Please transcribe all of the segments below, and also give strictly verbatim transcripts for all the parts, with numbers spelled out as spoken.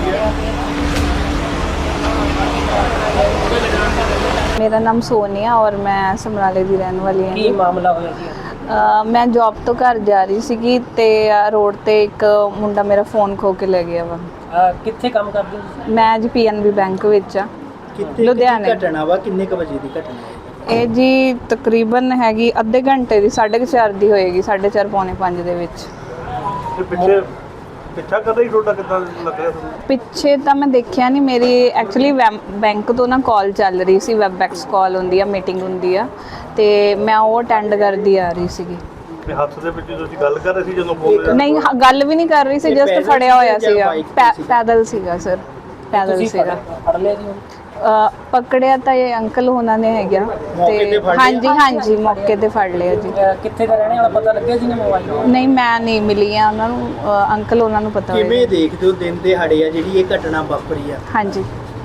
मेरा नाम सोनिया और मैं समराले की रहने वाली हाँ। की मामला होया जी? अ, मैं जॉब तो घर जा रही सी ते रोड ते एक मुंडा मेरा फोन खो के ले गया वा। अ, कित्थे काम करदे हो तुसीं? मैं जी पीएनबी बैंक विच आ लुधियाने। घटना वा किन्ने क बजे दी घटना है? ਇਹ ਜੀ ਤਕਰੀਬਨ ਹੈਗੀ ਅੱਧੇ ਘੰਟੇ ਦੀ ਸਾਢੇ ਕੁ ਚਾਰ ਦੀ ਹੋਏਗੀ ਸਾਢੇ ਚਾਰ ਪੌਣੇ ਪੰਜ ਦੇ ਵਿੱਚ। ਤੇ ਪਿੱਛੇ ਪਿੱਛਾ ਕਰਦਾ ਹੀ ਤੁਹਾਡਾ ਕਿੱਦਾਂ ਲੱਗ ਰਿਹਾ ਤੁਹਾਨੂੰ? ਪਿੱਛੇ ਤਾਂ ਮੈਂ ਦੇਖਿਆ ਨਹੀਂ, ਮੇਰੀ ਐਕਚੁਅਲੀ ਬੈਂਕ ਤੋਂ ਨਾ ਕਾਲ ਚੱਲ ਰਹੀ ਸੀ, ਵੈਬਐਕਸ ਕਾਲ ਹੁੰਦੀ ਆ, ਮੀਟਿੰਗ ਹੁੰਦੀ ਆ ਤੇ ਮੈਂ ਉਹ ਅਟੈਂਡ ਕਰਦੀ ਆ ਰਹੀ ਸੀਗੀ। ਤੇ ਹੱਥ ਦੇ ਵਿੱਚ ਤੁਸੀਂ ਗੱਲ ਕਰ ਰਹੇ ਸੀ ਜਦੋਂ ਬੋਲ ਨਹੀਂ ਹ- ਗੱਲ ਵੀ ਨਹੀਂ ਕਰ ਰਹੀ ਸੀ, ਜਸਟ ਫੜਿਆ ਹੋਇਆ ਸੀਗਾ। ਪੈ- ਪੈਦਲ ਸੀਗਾ ਸਰ, ਪੈਦਲ ਤੁਸੀਂ ਸੀਗਾ। ਫੜ ਲਿਆ ਜੀ? ਅ, ਪਕੜਿਆ ਤਾਂ ਇਹ ਅੰਕਲ ਉਹਨਾਂ ਨੇ ਹੈਗਾ ਤੇ ਹਾਂਜੀ ਹਾਂਜੀ ਮੌਕੇ ਤੇ ਫੜ ਲਿਆ ਜੀ। ਅ, ਕਿੱਥੇ ਦਾ ਰਹਿਣੇ ਵਾਲਾ ਪਤਾ ਲੱਗਿਆ ਜੀ ਨੇ ਮੋਬਾਈਲ? ਨਹੀਂ ਮੈਂ ਨਹੀਂ ਮਿਲੀ ਆ ਉਹਨਾਂ ਨੂੰ, ਅ, ਅੰਕਲ ਉਹਨਾਂ ਨੂੰ ਪਤਾ ਕਿਵੇਂ ਹੋਏਗਾ। ਦੇਖਦੇ ਹੋ ਦਿਨ ਦਿਹਾੜੇ ਆ ਜਿਹੜੀ ਇਹ ਘਟਨਾ ਵਾਪਰੀ ਆ? ਹਾਂਜੀ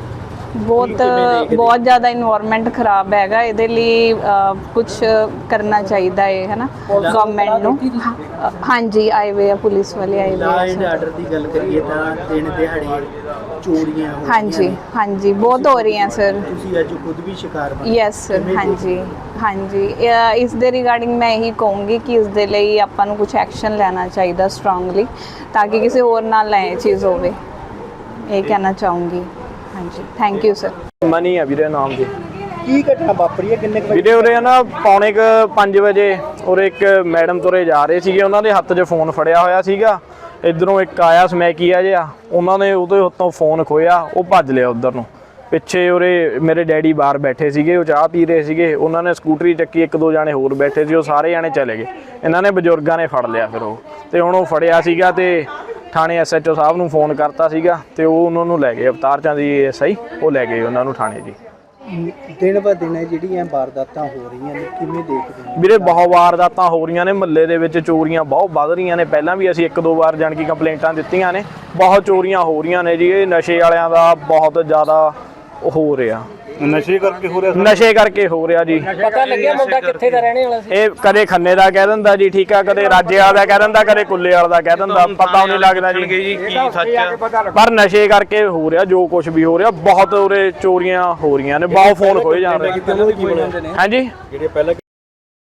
ਬਹੁਤ ਕਿਵੇਂ ਦੇਖਦੇ? ਬਹੁਤ ਜ਼ਿਆਦਾ ਇਨਵਾਇਰਨਮੈਂਟ ਖਰਾਬ ਹੈਗਾ, ਇਹਦੇ ਲਈ ਕੁਝ ਕਰਨਾ ਚਾਹੀਦਾ ਹੈ ਹੈ ਨਾ ਗਵਰਨਮੈਂਟ ਨੂੰ। ਹਾਂ- ਹਾਂਜੀ ਆਏ ਵੇ ਆ, ਪੁਲਿਸ ਵਾਲੇ ਆਏ ਵੇ ਲਾ ਆ ਐਂਡ ਸਰ। ਆਰਡਰ ਦੀ ਗੱਲ ਕਰੀਏ ਤਾਂ ਦਿਨ ਦਿਹਾੜੇ ਚੋਰੀਆਂ ਹੋ ਹਾਂਜੀ ਰਹੀਆਂ ਨੇ। ਹਾਂਜੀ ਬਹੁਤ ਹੋ ਰਹੀਆਂ ਸਰ। ਤੁਸੀਂ ਅੱਜ ਖੁਦ ਵੀ ਸ਼ਿਕਾਰ ਬਣੇ। Yes sir. ਕਿਵੇਂ ਹਾਂਜੀ ਹਾਂਜੀ ਅ, ਇਸ ਦੇ ਰਿਗਾਰਡਿੰਗ ਮੈਂ ਇਹੀ ਕਹੂੰਗੀ ਕਿ ਇਸ ਦੇ ਲਈ ਆਪਾਂ ਨੂੰ ਕੁਝ ਐਕਸ਼ਨ ਲੈਣਾ ਚਾਹੀਦਾ ਸਟਰੋਂਗਲੀ, ਤਾਂ ਕਿ ਕਿਸੇ ਹੋਰ ਨਾਲ ਨਾ ਇਹ ਚੀਜ਼ ਹੋਵੇ। ਇਹ ਕਹਿਣਾ ਚਾਹੂੰਗੀ। ਹਾਂਜੀ ਥੈਂਕ ਯੂ ਸਰ। ਮਨੀ ਆ ਵੀਰੇ ਨਾਮ ਦੀ। ਕੀ ਘਟਨਾ ਵਾਪਰੀ ਹੈ? ਕਿੰਨੇ ਕੁ ਵਜੇ? ਵੀਰੇ ਉਰੇ ਨਾ ਪੌਣੇ ਕੁ ਪੰਜ ਵਜੇ ਉਰੇ ਇੱਕ ਮੈਡਮ ਤੁਰੇ ਜਾ ਰਹੇ ਸੀਗੇ, ਉਹਨਾਂ ਦੇ ਹੱਥ 'ਚ ਫੋਨ ਫੜਿਆ ਹੋਇਆ ਸੀਗਾ। ਇੱਧਰੋਂ ਇੱਕ ਆਇਆ ਸਮੈਕੀਆ ਜਿਹਾ, ਉਹਨਾਂ ਨੇ ਉਹਦੇ ਹੱਥੋਂ ਫੋਨ ਖੋਇਆ, ਉਹ ਭੱਜ ਲਿਆ ਉੱਧਰ ਨੂੰ। ਪਿੱਛੇ ਉਰੇ ਮੇਰੇ ਡੈਡੀ ਬਾਹਰ ਬੈਠੇ ਸੀਗੇ, ਉਹ ਚਾਹ ਪੀ ਰਹੇ ਸੀਗੇ, ਉਹਨਾਂ ਨੇ ਸਕੂਟਰੀ ਚੱਕੀ, ਇੱਕ ਦੋ ਜਾਣੇ ਹੋਰ ਬੈਠੇ ਸੀ, ਉਹ ਸਾਰੇ ਜਾਣੇ ਚਲੇ ਗਏ। ਇਹਨਾਂ ਨੇ ਬਜ਼ੁਰਗਾਂ ਨੇ ਫੜ ਲਿਆ ਫਿਰ ਉਹ, ਤੇ ਹੁਣ ਉਹ ਫੜਿਆ ਸੀਗਾ ਤੇ ਥਾਣੇ ਐਸ ਐਚ ਓ ਸਾਹਿਬ ਨੂੰ ਫੋਨ ਕਰਤਾ ਸੀਗਾ ਤੇ ਉਹ ਉਹਨਾਂ ਨੂੰ ਲੈ ਗਏ, ਅਵਤਾਰ ਚੰਦ ਜੀ ਐਸ ਆਈ, ਉਹ ਲੈ ਗਏ ਉਹਨਾਂ ਨੂੰ ਥਾਣੇ ਜੀ। ਦਿਨ ਬ ਦਿਨ ਜਿਹੜੀਆਂ ਵਾਰਦਾਤਾਂ ਹੋ ਰਹੀਆਂ ਨੇ ਕਿਵੇਂ ਦੇਖਦੇ ਹੋ? ਵੀਰੇ ਬਹੁਤ ਵਾਰਦਾਤਾਂ ਹੋ ਰਹੀਆਂ ਨੇ ਮੁਹੱਲੇ ਦੇ ਵਿੱਚ, ਚੋਰੀਆਂ ਬਹੁਤ ਵੱਧ ਰਹੀਆਂ ਨੇ। ਪਹਿਲਾਂ ਵੀ ਅਸੀਂ ਇੱਕ ਦੋ ਵਾਰ ਜਾਣ ਕੀ ਕੰਪਲੇਂਟਾਂ ਦਿੱਤੀਆਂ ਨੇ, ਬਹੁਤ ਚੋਰੀਆਂ ਹੋ ਰਹੀਆਂ ਨੇ ਜੀ। ਇਹ ਨਸ਼ੇ ਵਾਲਿਆਂ ਦਾ ਬਹੁਤ ਜ਼ਿਆਦਾ ਹੋ ਰਿਹਾ, ਨਸ਼ੇ ਕਰਕੇ ਹੋ ਰਿਹਾ ਸਰ? ਨਸ਼ੇ ਕਰਕੇ ਹੋ ਰਿਹਾ ਜੀ। ਪਤਾ ਲੱਗਿਆ ਮੁੰਡਾ ਕਿੱਥੇ ਦਾ ਰਹਿਣੇ ਵਾਲਾ ਸੀ? ਇਹ ਕਦੇ ਖੰਨੇ ਦਾ ਕਹਿ ਦਿੰਦਾ ਜੀ, ਠੀਕ ਆ, ਕਦੇ ਰਾਜੇ ਵਾਲਾ ਦਾ ਕਹਿ ਦਿੰਦਾ, ਕਦੇ ਕੁੱਲੇ ਵਾਲਾ ਦਾ ਕਹਿ ਦਿੰਦਾ, ਪਤਾ ਨਹੀਂ ਲੱਗਦਾ ਜੀ ਕੀ ਸੱਚ ਆ। ਪਰ ਨਸ਼ੇ ਕਰਕੇ ਹੋ ਰਿਹਾ ਜੋ ਕੁਝ ਵੀ ਹੋ ਰਿਹਾ। ਬਹੁਤ ਉਰੇ ਚੋਰੀਆਂ ਹੋ ਰਹੀਆਂ ਨੇ, ਬਹੁਤ ਫੋਨ ਖੋਏ ਜਾ ਰਹੇ। ਹਾਂਜੀ ਜਿਹੜੇ ਪਹਿਲਾਂ